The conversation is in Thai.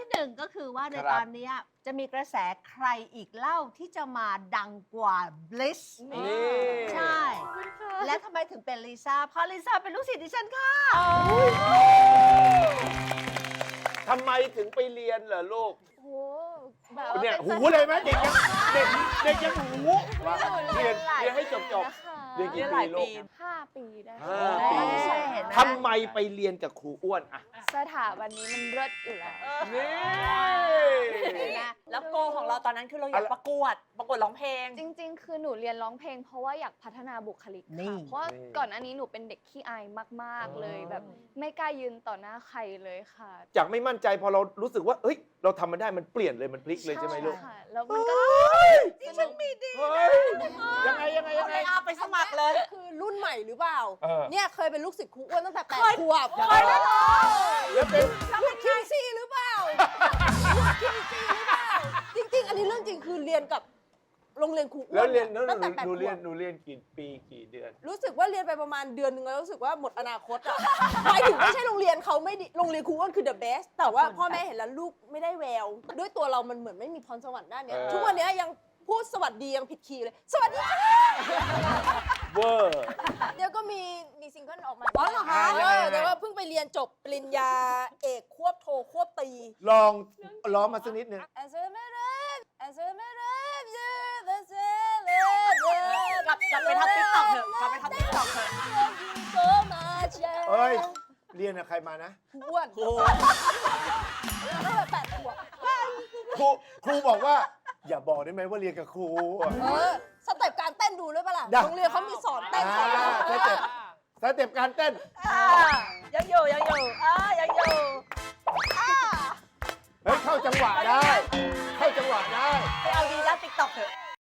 หนึ่งก็คือว่าในครับตอนเนี้ยจะมีกระแสใครอีกเล่าที่จะมาดังกว่า Bliss นี่ใช่ และทำไมถึงเป็นลิซ่า เพราะลิซ่าเป็นลูกศิษย์ดิฉันค่ะทำไมถึงไปเรียนเหรอลูกโอ้แบบเนี่ยป็หูเลยไหมเด็กยังเด็กยังหูว่าหนูเรียนหลายเรียนให้จบนะคะเรียนกี่ปีลูก 5 ปีได้ห้าค่ะปีใช่เห็นไหมทำไมไปเรียนกับครูอ้วนอะสถาบันนี้มันเลิศอยู่แล้วนี่แล้วโกของเราตอนนั้นคือเราอยากประกวดร้องเพลงจริง ๆ คือหนูเรียนร้องเพลง เพราะว่าอยากพัฒนาบุคลิกนี่ค่ะ เพราะว่าก่อนอันนี้หนูเป็นเด็กขี้อายมาก ๆ เลยแบบไม่กล้ายืนต่อหน้าใครเลยค่ะจากไม่มั่นใจพอเรารู้สึกว่าเฮ้ยเราทำมันได้มันเปลี่ยนเลยมันพลิกเลยใช่ไหมลูกค่ะ แล้วมันก็ที่ฉันมีดีเฮ้ยยังไงเอาเลยเอาไปสมัครเลยคือรุ่นใหม่หรือเปล่าเออเนี่ยเคยเป็นลูกศิษย์ครูอ้วนตั้งแต่8 ขวบแล้วเป็นลูกคิงซี่หรือเปล่าลูกคิงซี่หรือเปล่า จริง ๆ อันนี้เรื่องจริงคือเรียนกับโรงเรียนครูอ้แล้ววนเรียนแล้วตั้งแต่8 หนูขเรียวน บหนูเรียนกี่ปีกี่เดือนรู้สึกว่าเรียนไปประมาณเดือนหนึงแล้วรู้สึกว่าหมดอนาคตอ่ะ หมายถึงไม่ใช่โรงเรียนเขาไม่ดีโรงเรียนครูอ้วนคือ the best แต่ว่าพ่อแม่เห็นแล้วลูกไม่ได้แวว ด้วยตัวเรามันเหมือนไม่มีพรสวรรค์ด้านเนี้ยเออทุกวันเนี้ยยังพูดสวัสดียังผิดคีย์เลย สวัสดีค่ะเวอร์เดี๋ยวก็มีซิงเกิลออกมาอ๋อเหรอคะแต่ว่าเพิ่งไปเรียนจบปริญญาเอกควบโทควบตรีลองร้องมาสักนิดนึงกลับไปทำติ๊กต็อกเถอะกลับไปทำติ๊กต็อกเถอะเอ้ยเรียนกับใครมานะครูอ้วนตั้งแต่8 ขวบครูบอกว่า อย่าบอกได้ไหมว่าเรียนกับครูอะสเต็ปการเต้นดูด้วยปะล่ะได้โรงเรียนเขามีสอนเต้นสอนสเต็ปการเต้นยังอยู่ยังอยู่ยังอยู่เฮ้ยเข้าจังหวะได้ เข้าจังหวะได้ไปเอา